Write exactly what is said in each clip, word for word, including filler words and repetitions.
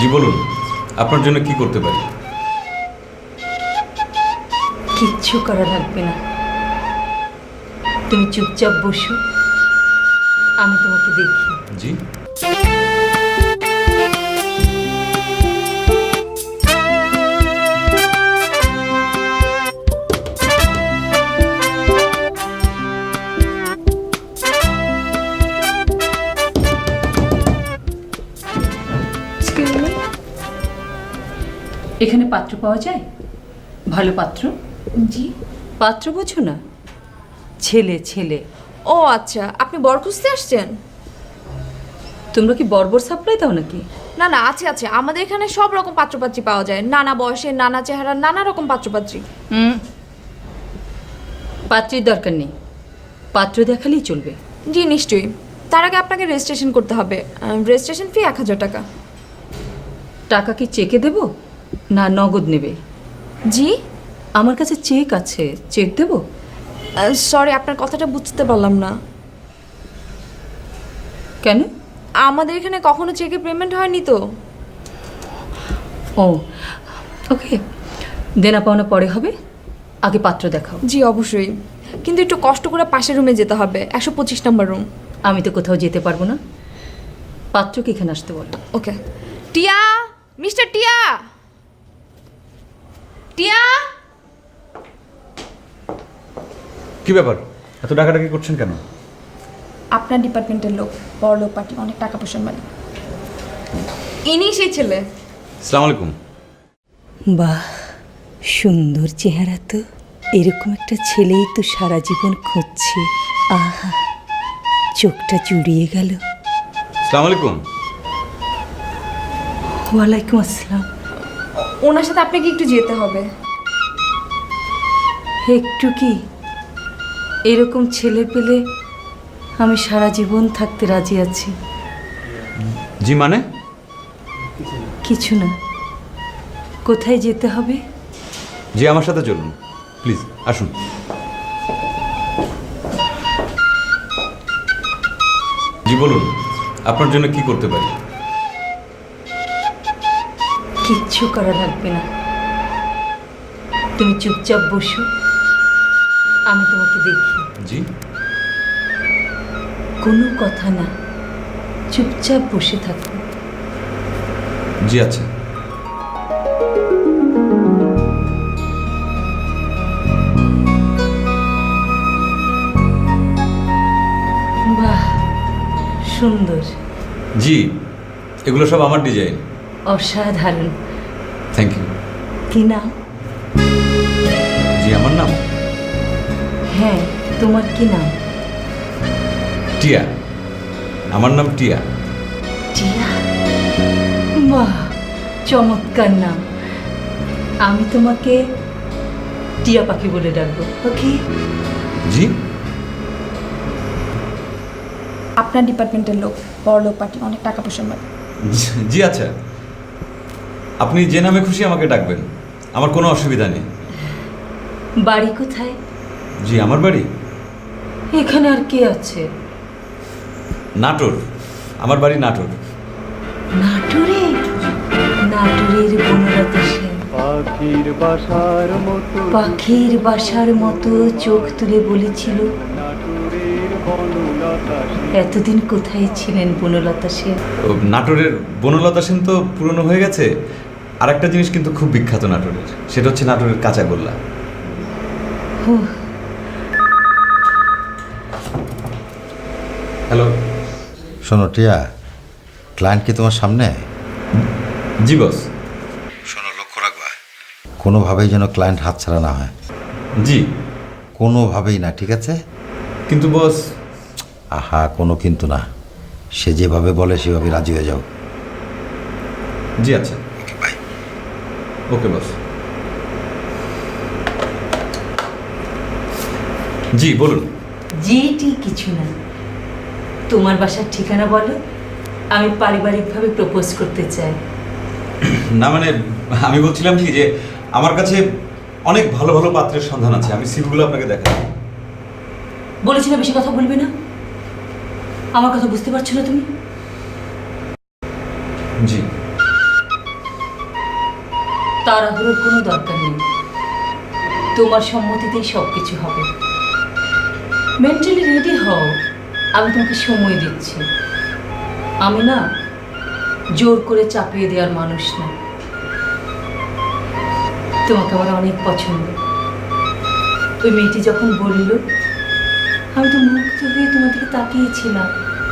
জি বলুন, আপনার জন্য কি করতে পারি? কিচ্ছু করা লাগবে না, তুমি চুপচাপ বসো, আমি তোমাকে দেখি। জি এখানে পাত্র পাওয়া যায়? ভালো পাত্র? জি। পাত্র বোঝো না, ছেলে ছেলে। ও আচ্ছা, আপনি বর খুঁজতে আসছেন? তোমরা কি বর্বর সাপ্লাই দাও নাকি? না না, আছে আছে, আমাদের এখানে সব রকম পাত্রপাত্রী পাওয়া যায়, নানা বয়সের, নানা চেহারার, নানা রকম পাত্রপাত্রী। হুম, পাত্রের দরকার নেই, পাত্র দেখালেই চলবে। জি নিশ্চয়ই, তার আগে আপনাকে রেজিস্ট্রেশন করতে হবে। রেজিস্ট্রেশন ফি এক হাজার টাকা। টাকা কি চেকে দেব না নগদ নেবে? জি আমার কাছে চেক আছে, চেক দেব? সরি, আপনার কথাটা বুঝতে পারলাম না। কেন? আমাদের এখানে কখনো চেকে পেমেন্ট হয়নি তো। ও ওকে, দেনা পাওনা পরে হবে, আগে পাত্র দেখাও। জি অবশ্যই, কিন্তু একটু কষ্ট করে পাশের রুমে যেতে হবে, একশো পঁচিশ নম্বর রুম। আমি তো কোথাও যেতে পারবো না, পাত্রকে এখানে আসতে বলো। ওকে। টিয়া, মিস্টার টিয়া, টিয়া। কি ব্যাপার, এত ডাকাডাকি করছেন কেন? আপনার ডিপার্টমেন্টের লোক, বড় লোক পার্টি, অনেক টাকা পয়সার মালিক, ইনি সেই ছেলে। আসসালামু আলাইকুম। বাহ, সুন্দর চেহারা তো, এরকম একটা ছেলেই তো সারা জীবন খুঁজছে। আহা, চোখটা জুড়িয়ে গেল। আসসালামু আলাইকুম। ওয়ালাইকুম আসসালাম। ওনার সাথে আপনাকে একটু যেতে হবে। একটু কি, এরকম ছেলে পেলে আমি সারা জীবন থাকতে রাজি আছি। জি মানে? কিছু না, কোথায় যেতে হবে? জি আমার সাথে চলুন, প্লিজ আসুন। জি বলুন, আপনার জন্য কি করতে পারি? কিচ্ছু করা লাগবে না, তুমি চুপচাপ বসো, আমি তোমাকে দেখি। জি কোনো কথা না, চুপচাপ বসে থাকো। জি আচ্ছা। বাহ, সুন্দর। জি, এগুলো সব আমার ডিজাইন। অসাধারণ। Thank you. কি নাম? জি আমার নাম হ্যাঁ, তোমার কি নাম? টিয়া। আমার নাম টিয়া। টিয়া? বাহ, চমৎকার নাম। আমি তোমাকে টিয়া পাখি বলে ডাকবো, ওকে? জি আপনার ডিপার্টমেন্টের লোক, বড় লোক পার্টি, অনেক টাকা পয়সার মালিক। জি আচ্ছা, আপনি যে নামে খুশি আমাকে ডাকবেন, আমার কোনো অসুবিধা নেই। বাড়ি কোথায়? জি আমার বাড়ি এখানে আর কে আছে? নাটোর। আমার বাড়ি নাটোর। নাটোরে? নাটোরের বনলতা সেন পাখির বাসার মতো পাখির বাসার মতো চোখ তুলে বলেছিল, নাটুরের বনলতা সেন। এতদিন কোথায় ছিলেন বনলতা সেন? ও, নাটোরের বনলতা সেন তো পুরনো হয়ে গেছে। আর একটা জিনিস কিন্তু খুব বিখ্যাত নাটোরের, সেটা হচ্ছে নাটোরের কাঁচাগোল্লা। হ্যালো। শোনো টিয়া, ক্লায়েন্ট কি তোমার সামনে? জি বস। শোনো, লক্ষ্য রাখবা, কোনোভাবেই যেন ক্লায়েন্ট হাতছাড়া না হয়। জি কোনোভাবেই না, ঠিক আছে? কিন্তু বস। আহা, কোনো কিন্তু না, সে যেভাবে বলে সেভাবে রাজি হয়ে যাও। জি আচ্ছা। ওকে, বাই। ওকে বস। জি বলুন। যেটি কিছু না, তোমার বাসার ঠিকানা বলো, আমি পারিবারিকভাবে প্রপোজ করতে চাই। না মানে আমি বলছিলাম কি যে আমার কাছে অনেক ভালো ভালো পাত্রের সন্ধান আছে, আমি সিভিগুলো আপনাকে দেখাবো। বলেছি না বেশি কথা বলবে না, আমার কথা বুঝতে পারছো না তুমি? জি তাড়াহুড়োর কোনো দরকার নেই, তোমার সম্মতিতেই সব কিছু হবে। মেন্টালি রেডি হও, আমি তোমাকে সময় দিচ্ছি। আমি না জোর করে চাপিয়ে দেওয়ার মানুষ না। তোমাকে আমার অনেক পছন্দ। ওই মেয়েটি যখন বলল, আমি তো মুগ্ধ হয়ে তোমার দিকে তাকিয়েছিলাম।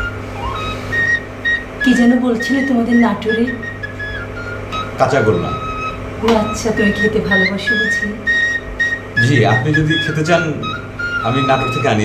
কি যেন বলছিলে তোমাদের নাটোরে? কাঁচা গোল্লা। ও আচ্ছা, তুমি খেতে ভালোবাসো বুঝি? জি, আপনি যদি খেতে চান আমি নাটক থেকে আনি।